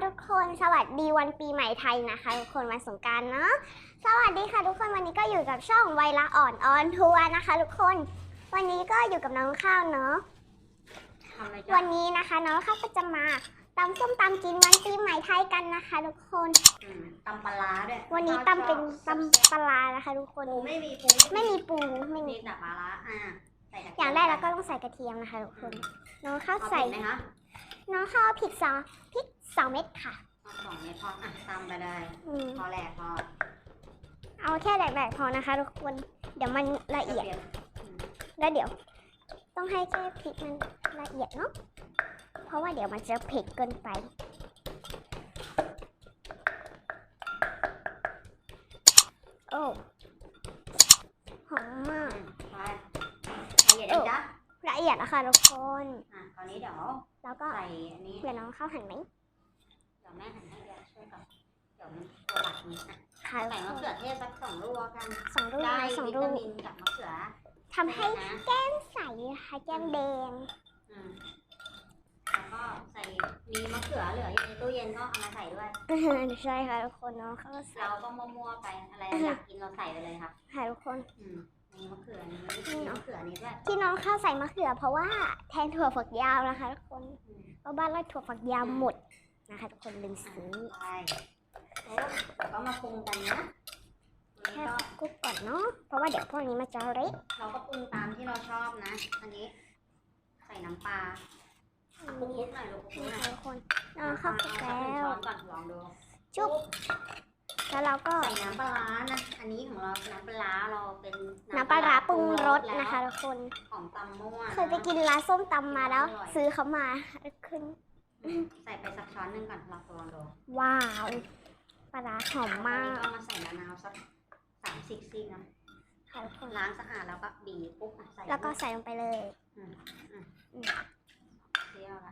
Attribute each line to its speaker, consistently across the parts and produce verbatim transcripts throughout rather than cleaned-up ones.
Speaker 1: ทุกคนสวัสดีวันปีใหม่ไทยนะคะทุกคนวันสงกรานต์เนาะสวัสดีค่ะทุกคนวันนี้ก็อยู่กับช่องไวละอ่อนออนทัวร์นะคะทุกคนวันนี้ก็อยู่กับน้องข้าวเนาะวันนี้นะคะน้องข้าวก็จะมาตำส้มตำกินวันปีใหม่ไทยกันนะคะทุกคน
Speaker 2: ตำปลาด้วย
Speaker 1: วันนี้ตำเป็นตำปลานะคะทุกคน
Speaker 2: ไม่มีปู
Speaker 1: ไม่มีปูไม่มี
Speaker 2: แต่ปลาอ่ะ
Speaker 1: อย่างแรกเราก็ต้องใส่กระเทียมนะคะทุกคนน้องข้าวใส่
Speaker 2: ไหมคะ
Speaker 1: น้องข้าวพริกซอพริกสองเม็ดค่ะ
Speaker 2: สองเม็ดพออ่ะตำไปเลยพอแหลกพอ
Speaker 1: เอาแค่แหลกๆพอนะคะทุกคนเดี๋ยวมันละเอียดแล้วเดี๋ยวต้องให้แค่พริกมันละเอียดเนาะเพราะว่าเดี๋ยวมันจะเผ็ดเกินไปโอ้หอมมาก
Speaker 2: ละเอียดจ้ะ
Speaker 1: ละเอียดแล้วค่ะทุกคน
Speaker 2: อ่ะตอนนี้เดี๋ยว
Speaker 1: แล้วก็
Speaker 2: ใส่อันนี้
Speaker 1: เดี๋ยวน้องเข้าหั่นไหม
Speaker 2: เดี๋ยวแม่หั่นให้เดี๋ยวช่วยกับเดี๋ยวมันตัวหลักนี้อ่ะใส่มะเขือเทศสักสองลูกกัน
Speaker 1: สองลูก
Speaker 2: ได้
Speaker 1: สอง
Speaker 2: วิ
Speaker 1: ลูก
Speaker 2: ตามินกับมะเขือ
Speaker 1: ทำให้แก้มใสค่ะแก้มแดง
Speaker 2: แล้วก็ใส่มีมะเขือเหลืออยู่ในตู้เย็นก็เอามาใส่ด้วย
Speaker 1: ใช่ค่ะทุกคนเนาะเขา
Speaker 2: เราก็มั่วๆไปอะไรอยากกินเราใส่ไปเลยค่ะ
Speaker 1: ค่ะทุกคน
Speaker 2: มีมะเขือนี้มีมะเขือนี้ด้วย
Speaker 1: ที่น้องข้าวใส่มะเขือเพราะว่าแทนถั่วฝักยาวนะคะทุกคนเพราะบ้านเราถั่วฝักยาวหมดนะคะทุกคนลืมซื้อ
Speaker 2: ใช่แล้วก็มาปรุงกันนะ
Speaker 1: แค่คลุกก่อนเนาะเพราะว่าเดี๋ยวพวกนี้มันจะเละ
Speaker 2: เราก็ปรุงตามที่เราชอบนะอันนี้ใส่น้ำปลาปรุงนิดหน่อยลูกปรุงหน่อย
Speaker 1: ทุกคนน้องข้าวคลุกแล้ว
Speaker 2: ช้อนก่อนลองดู
Speaker 1: จุ๊บแล้วเราก็
Speaker 2: ใส่น้ำปลานะอันนี้ของเราน้ำปลาเราเป็น
Speaker 1: น้ำปลาปรุงรสนะคะทุกคน
Speaker 2: ของตำมั่ว
Speaker 1: เคยไปกินร้านส้มตำมาแล้วซื้อเขามาขึ้น
Speaker 2: ใส่ไปสักช้อนนึงก่อนลองลองดู
Speaker 1: ว้าวปลาหอมมาก
Speaker 2: ก็มาใส่มะนาวสักสามสิบซี่นะล้างสะอาดแล้วก็บีบปุ๊บใส่
Speaker 1: แล้วก็ใส่ลงไปเลย
Speaker 2: เที่ยวละ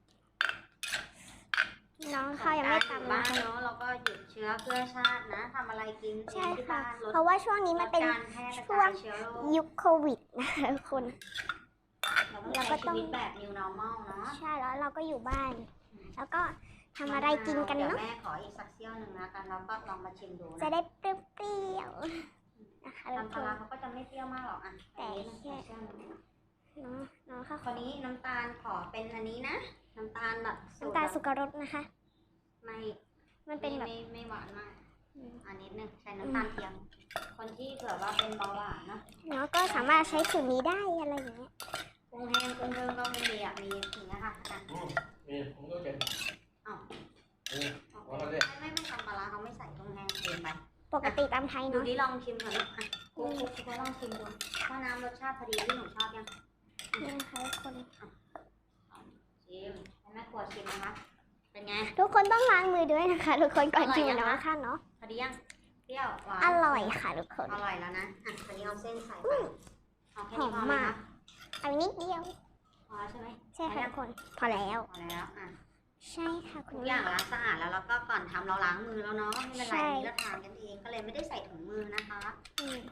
Speaker 1: น้องข้าวยังไม่ตำ
Speaker 2: บ้านเนาะเราก็หยุดเชื้อเพื่อชาตินะทำอะไรกิน
Speaker 1: ใช่ค่ะเพราะว่าช่วงนี้มันเป็นช่วงยุคโควิดนะคะทุกคน
Speaker 2: เราก็ต้องแบบ new normal เนาะ
Speaker 1: ใช่แล้วเราก็อยู่บ้านแล้วก็ทำอะไรกินกันเนาะ
Speaker 2: แม่ขออีกสักเซี่ยวหนึ่งนะกันแล้วก็ลองมาชิมดู
Speaker 1: จะได้เปรี้ยวๆนะคะ
Speaker 2: น้ำปลาเขาก็จะไม่เปรี้ยวมากหรอกอ่ะ
Speaker 1: แต่แค่เนาะเนาะค่ะ
Speaker 2: คนนี้น้ำตาลขอเป็นอันนี้นะน้ำตาลแบบ
Speaker 1: น้ำตาลสุกรสนะคะ
Speaker 2: ไม่
Speaker 1: มันเป็นแบบ
Speaker 2: ไม่หวานมากอันนี้นึงใช้น้ำตาลเทียมคนที่เผื่อว่าเป็นเบาหวานนะ
Speaker 1: เนาะก็สามารถใช้สูตรนี้ได้อะไรอย่างเงี้ย
Speaker 2: กุ้งแห้งกุ้งเพิ่มก็ไม่มีอ่ะมีอย่างเงี้ยค่ะ
Speaker 3: มีผมก็เก็บ
Speaker 2: อ้าวไม่ไม่ทำปลาเขาไม่ใส่กุ้งแห้งเกินไป
Speaker 1: ปกติตามไทยเนาะ
Speaker 2: ดูดิลองชิมก่อนนะกุ้งกุ้งก็ลองชิมดูว่าน้ำรสชาติพอดีที่หนูชอบยัง
Speaker 1: นี่นะคะทุกคน
Speaker 2: ชิมแม่กลัวชิมนะคะเป็นไง
Speaker 1: ทุกคนต้องล้างมือด้วยนะคะทุกคนก่อนชิมนะค่ะเนาะ
Speaker 2: พอดียังเปรี้ยวหวาน
Speaker 1: อร่อยค่ะทุกคน
Speaker 2: อร่อยแล้วนะอ่ะตอนนี้เอาเส้นใส่ไปเอาแค่นี้พอ
Speaker 1: มากเอานิดเดียว
Speaker 2: พอใช่ไหม
Speaker 1: ใช่ค่ะทุกคนพอแล้ว
Speaker 2: พอแล้วอ่ะ
Speaker 1: ใช่ค่ะ
Speaker 2: ทุกอย่างล้างสะอาดแล้วแล้วก็ก่อนทำเราล้างมือแล้วเนาะไม่เป็นไรนี่เราทานกันเองก็เลยไม่ได้ใส่ถุงมือนะคะอืม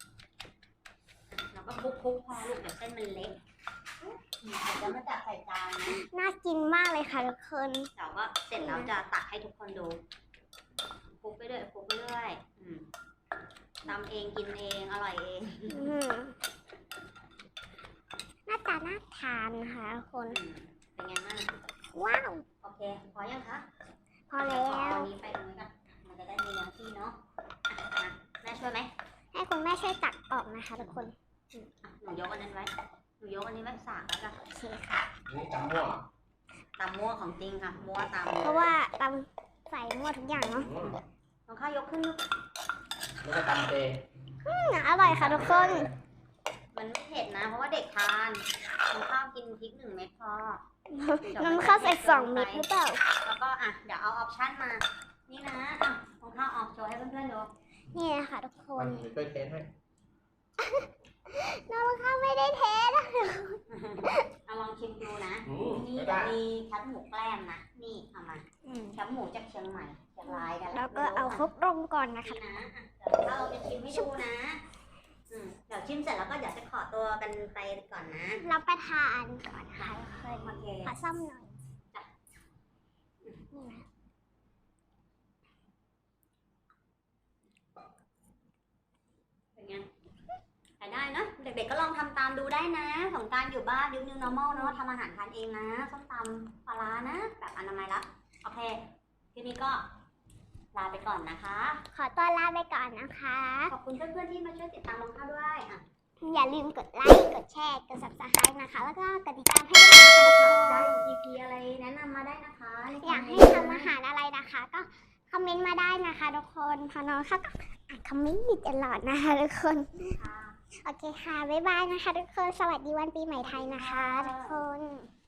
Speaker 2: แล้วก็คลุกๆพอลูกเดี๋ยวเส้นมันเล็กเดี๋ยวจะมาตักใส่จานนะ
Speaker 1: น่ากินมากเลยค่ะทุกคน
Speaker 2: แต่ว่าเสร็จแล้วจะตักให้ทุกคนดูคลุกไปเรื่อยคลุกไปเรื่อยทำเองกินเองอร่อยเอง
Speaker 1: หน้าตาน่าทานค่ะทุกคน
Speaker 2: เป็นไงบ้าง
Speaker 1: ว้าว
Speaker 2: โอเคพอยังคะ
Speaker 1: พอแล้ว
Speaker 2: ตอนนี้ไปตรงนี้กันมันจะได้มีเนื้อที่เนาะแม่ช่วยไหม
Speaker 1: ให้คุณแม่ช่วยตักออกนะคะทุกคน
Speaker 2: หนูยกอันนั้นไว้หนูยกอันนี้ไว้สากแล้วกัน
Speaker 1: โอเคค่ะ
Speaker 3: นี่ตำมั่ว
Speaker 2: ตำมั่วของจริงค่ะมั่วต
Speaker 1: ำเพราะว่าตำใส่มั่วทุกอย่างเนาะ
Speaker 2: น้องข้าวยกขึ้นลูก
Speaker 3: แล้วก็ตำเตะ
Speaker 1: อร่อยค่ะทุกคน
Speaker 2: มันไม่เผ็ดนะเพราะว่าเด็กทานน้องข้าวกินพริกหนึ่งเม็ดพอ
Speaker 1: น้ำข้าวใส่สองเม็ดหรือเปล่า
Speaker 2: แล้วก็อ่ะเดี๋ยวเอาออปชั่นมานี่นะอ่ะน้องข้าวออกโชว์ให้เพื่อนๆดู
Speaker 1: นี่นะคะทุกคน
Speaker 3: ช่วยเทสให้
Speaker 1: น้องข้าวไม่ได้เทส
Speaker 2: เอาลองชิมดูนะนี่มีแคบหมูแกล้มนะนี่เอามาแคบหมูจากเชียงใหม่เชียงรายกัน
Speaker 1: แล้วก็เอาครบลงก่อนนะคะ
Speaker 2: นะเดี๋ยวเราจะชิมให้ดูนะเดี๋ยวชิมเสร็จแล้วก็เดี๋ยวจะขอตัวกันไปก่อนนะ
Speaker 1: รับประทานก่อนค่ะขอซ้ำหน่อย
Speaker 2: เด็กๆก็ลองทำตามดูได้นะสงกรานต์อยู่บ้านยุค New Normal เนาะทำอาหารทานเองนะส้มตำปลาร้านะแบบอนามัยละโอเคทีนี้ก็ลาไปก่อนนะคะ
Speaker 1: ขอตัวลาไปก่อนนะคะ
Speaker 2: ขอบคุณเพื่อนๆที่มาช่วยติดตามน้องข้าวด้วยอ่ะ
Speaker 1: อย่าลืมกดไลค์ กดแชร์ กด ซับสไครบ์ นะคะ แล้วก็กดติดตามให้ด้วยนะคะทุกคน
Speaker 2: ได้ อี พี อะไรแนะนำมาได้นะคะในค
Speaker 1: อยาก
Speaker 2: มเม
Speaker 1: ให้
Speaker 2: นต์
Speaker 1: ทำอาหารอะไรนะคะ ก็คอมเมนต์มาได้นะคะทุกคนพอน้องเขาก็อ่านคอมเมนต์อยู่ตลอดนะคะทุกคน
Speaker 2: ค่ะ
Speaker 1: โอเคค่ะ บ๊ายบายนะคะทุกคน สวัสดีวันปีใหม่ไทยนะคะทุกคน